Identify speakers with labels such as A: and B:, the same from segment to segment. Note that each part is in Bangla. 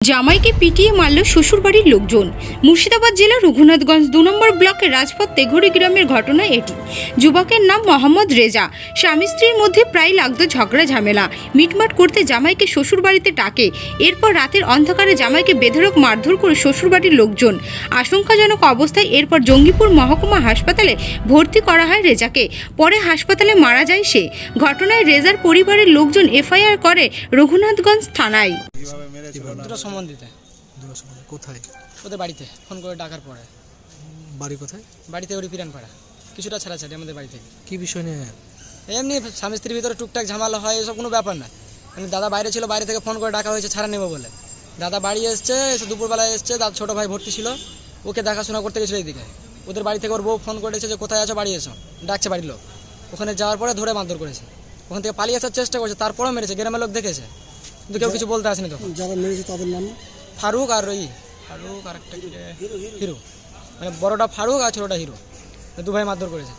A: জামাইকে পিটিয়ে মারল শ্বশুরবাড়ির লোকজন। মুর্শিদাবাদ জেলার রঘুনাথগঞ্জ 2 নম্বর ব্লকের রাজপথ তেঘরি গ্রামের ঘটনা এটি। যুবকের নাম মোহাম্মদ রেজা। স্বামী স্ত্রীর মধ্যে প্রায় লাগতো ঝগড়া ঝামেলা। মিটমাট করতে জামাইকে শ্বশুরবাড়িতে ডাকে। এরপর রাতের অন্ধকারে জামাইকে বেধড়ক মারধর করে শ্বশুরবাড়ির লোকজন। আশঙ্কাজনক অবস্থায় এরপর জঙ্গিপুর মহকুমা হাসপাতালে ভর্তি করা হয় রেজাকে। পরে হাসপাতালে মারা যায় সে। ঘটনায় রেজার পরিবারের লোকজন এফআইআর করে রঘুনাথগঞ্জ থানায়।
B: দুটো সম্বন্ধিত।
C: কোথায়?
B: ওদের বাড়িতে ফোন করে ডাকার পরে।
C: বাড়ি কোথায়?
B: বাড়িতে ওরি পিরানপাড়া, কিছুটা ছাড়াছাড়ি আমাদের বাড়ি থেকে।
C: কি বিষয় নিয়ে?
B: এমনি স্বামী স্ত্রীর ভিতরে টুকটাক ঝামেলা হয়, এসব কোনো ব্যাপার না। মানে দাদা বাইরে ছিল, বাইরে থেকে ফোন করে ডাকা হয়েছে ছাড়া নেবো বলে। দাদা বাড়ি এসছে, এসে দুপুরবেলায় এসছে। দাদা ছোটো ভাই ভর্তি ছিল, ওকে দেখাশোনা করতে গেছিলো এইদিকে। ওদের বাড়ি থেকে ওর বউ ফোন করেছে যে কোথায় আছো, বাড়ি এসো, ডাকছে বাড়ির লোক। ওখানে যাওয়ার পরে ধরে মারধর করেছে। ওখান থেকে পালিয়ে আসার চেষ্টা করছে, তারপরেও মেরেছে। গ্রামের লোক দেখেছে, কিন্তু কেউ কিছু বলতে আসেনি তখন।
C: যারা মেরেছে তাদের নাম?
B: ফারুক আর ফারুক আর একটা হিরো, মানে বড়টা ফারুক আর ছোটটা হিরো, দু ভাই মারধর করেছে।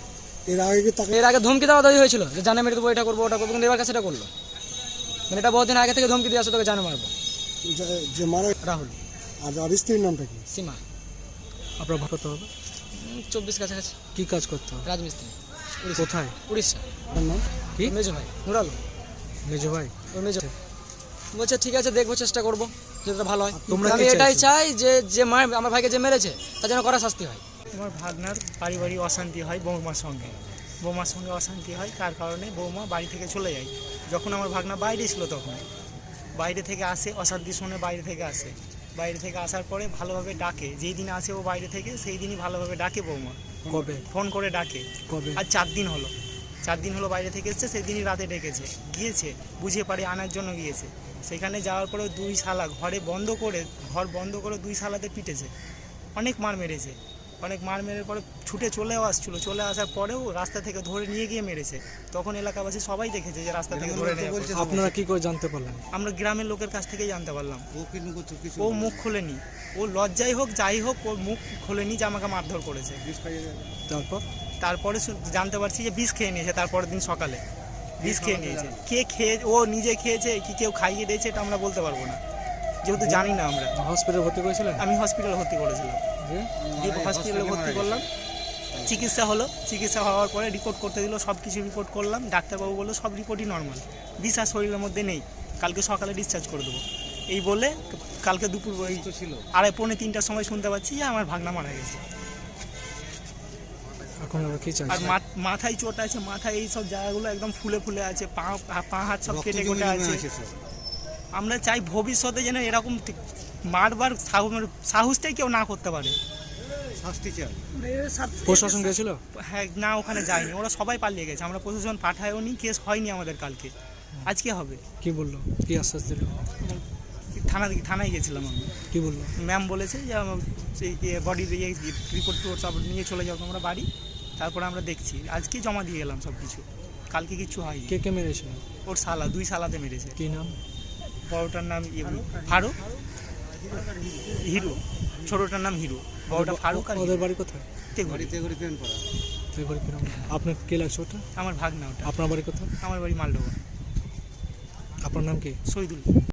B: এর আগে ধমকি দেওয়া দাবি হয়েছিল যে জানে মেরে দেবো, এটা করবো ওটা করবো, কিন্তু এবার কাছে এটা করলো। মানে এটা বহুদিন আগে থেকে ধমকি দিয়ে আসো, তোকে জানে মারবো।
C: যে মারা
B: রাহুল।
C: আর স্ত্রীর নামটা কি?
B: সীমা।
C: আপনার ভাগ করতে হবে?
B: 24 কাছাকাছি।
C: কি কাজ করতে হবে?
B: রাজমিস্ত্রি।
C: কোথায়?
B: উড়িষ্যা।
C: আপনার নাম কি?
B: মেজো ভাই নুরাল।
C: মেজো ভাই?
B: ওই মেজো বলছে ঠিক আছে, দেখবো, চেষ্টা করবো যেটা ভালো হয়।
C: তোমরা
B: আমি এটাই চাই যে আমার ভাইকে যে মেরেছে তার জন্য কড়া শাস্তি হয়।
D: আমার ভাগনার পারিবারিক অশান্তি হয় বৌমার সঙ্গে অশান্তি হয়, তার কারণে বৌমা বাড়ি থেকে চলে যায়। যখন আমার ভাগনা বাইরে ছিল তখন বাইরে থেকে আসে, অশান্তি শুনে বাইরে থেকে আসার পরে ভালোভাবে ডাকে। যেই দিন আসে ও বাইরে থেকে, সেই দিনই ভালোভাবে ডাকে বৌমা।
C: কবে
D: ফোন করে ডাকে?
C: কবে?
D: আর 4 দিন হলো বাইরে থেকে এসছে। সেই দিনই রাতে ডেকেছে, গিয়েছে বুঝে পারে আনার জন্য গিয়েছে। সেখানে যাওয়ার পরেও 2 শালা ঘর বন্ধ করে 2 শালাতে পিটেছে, অনেক মার মেরেছে। পরে ছুটে চলে আসার পরেও রাস্তা থেকে ধরে নিয়ে গিয়ে মেরেছে। তখন এলাকাবাসী সবাই দেখেছে যে রাস্তা থেকে ধরে নিয়ে গেছে।
C: আপনারা কি করে জানতে পারলেন?
D: আমরা গ্রামের লোকের কাছ থেকেই জানতে পারলাম। ও মুখ খোলেনি, ও লজ্জাই হোক যাই হোক, ও মুখ খোলেনি যে আমাকে মারধর করেছে। তারপরে জানতে পারছি যে বিষ খেয়ে নিয়েছে। তারপরের দিন সকালে বিষ খেয়ে নিয়েছে। ও নিজে খেয়েছে কি কেউ খাইয়ে দিয়েছে এটা আমরা বলতে পারবো না, যেহেতু জানি না। আমরা
C: হসপিটালে ভর্তি করেছিলেন?
D: আমি হসপিটালে ভর্তি করেছিলাম। হসপিটালে ভর্তি করলাম, চিকিৎসা হলো। চিকিৎসা হওয়ার পরে রিপোর্ট করতে দিল, সব কিছু রিপোর্ট করলাম। ডাক্তারবাবু বললো সব রিপোর্টই নর্মাল, বিষ আর শরীরের মধ্যে নেই, কালকে সকালে ডিসচার্জ করে দেবো। এই বলে কালকে দুপুর 2:30-3টার সময় শুনতে পাচ্ছি যে আমার ভাগনা মারা গেছে। আর মাথায় চোট আছে, মাথায় এই সব জায়গাগুলো একদম ফুলে আছে, পা হাত সব কেটে আছে। আমরা চাই ভবিষ্যতে যেন এরকম মারবার সাহসটাই কেউ না করতে পারে।
C: প্রশাসন গেছিল?
D: হ্যাঁ, না ওখানে যায়নি, ওরা সবাই পালিয়ে গেছে। আমরা প্রশাসন পাঠায়ও নি, কেস হয়নি আমাদের কালকে। আজকে হবে।
C: কি বললো, কি আশ্বাস দিল?
D: থানায় গেছিলাম আমি।
C: কি বললো?
D: ম্যাম বলেছে যে সেই বডির রিপোর্ট সব নিয়ে চলে যাও তোমরা বাড়ি, তারপরে আমরা দেখছি। আজকে জমা দিয়ে গেলাম সব কিছু, কালকে কিছু হয়নি।
C: কে মেরেছিল?
D: ওর শালা, 2 শালাতে মেরেছে।
C: কি নাম?
D: বড়টার নাম ফারুক, হিরো। ছোটটার নাম হিরো, বড়টা ফারুক। আর
C: ওদের বাড়ি কোথায়?
D: তেঘরি।
C: আপনার কে লাগছে ওটা?
D: আমার ভাগনা ওটা।
C: আপনার বাড়ি কোথায়?
D: আমার বাড়ি মালডোবা।
C: আপনার নাম কি?
D: শহীদুল।